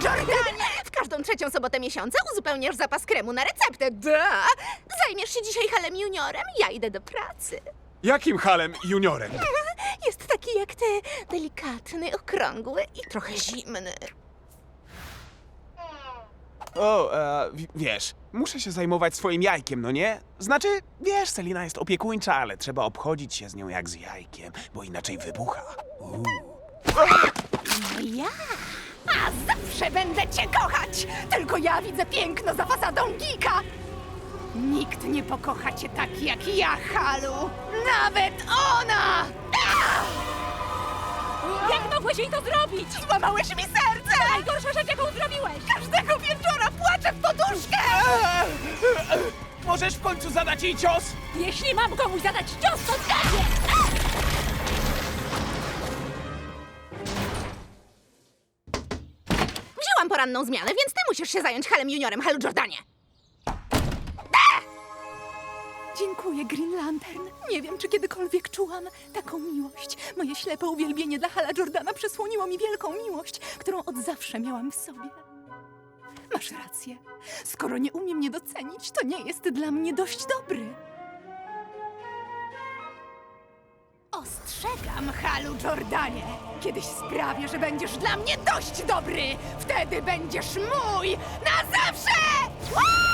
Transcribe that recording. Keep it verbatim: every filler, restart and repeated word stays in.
Jordanie! W każdą trzecią sobotę miesiąca uzupełniasz zapas kremu na receptę. Da! Zajmiesz się dzisiaj Halem Juniorem, ja idę do pracy. Jakim Halem Juniorem? Jest taki jak ty, delikatny, okrągły i trochę zimny. O, e, w- wiesz, muszę się zajmować swoim jajkiem, no nie? Znaczy, wiesz, Selina jest opiekuńcza, ale trzeba obchodzić się z nią jak z jajkiem, bo inaczej wybucha. Uuu. Ja? A zawsze będę cię kochać! Tylko ja widzę piękno za fasadą Gika! Nikt nie pokocha cię tak jak ja, Halu! Nawet ona! Jak mogłeś jej to zrobić? Złamałeś mi serce! Najgorsza rzecz, jaką zrobiłeś! Każdego wieczora płaczę w poduszkę! Możesz w końcu zadać jej cios? Jeśli mam komuś zadać cios, to zgadnie! Wzięłam poranną zmianę, więc ty musisz się zająć Halem Juniorem, Halu Jordanie! Dziękuję, Green Lantern. Nie wiem, czy kiedykolwiek czułam taką miłość. Moje ślepe uwielbienie dla Hala Jordana przysłoniło mi wielką miłość, którą od zawsze miałam w sobie. Masz rację. Skoro nie umie mnie docenić, to nie jest dla mnie dość dobry. Ostrzegam, Halu Jordanie! Kiedyś sprawię, że będziesz dla mnie dość dobry! Wtedy będziesz mój na zawsze! Uuu!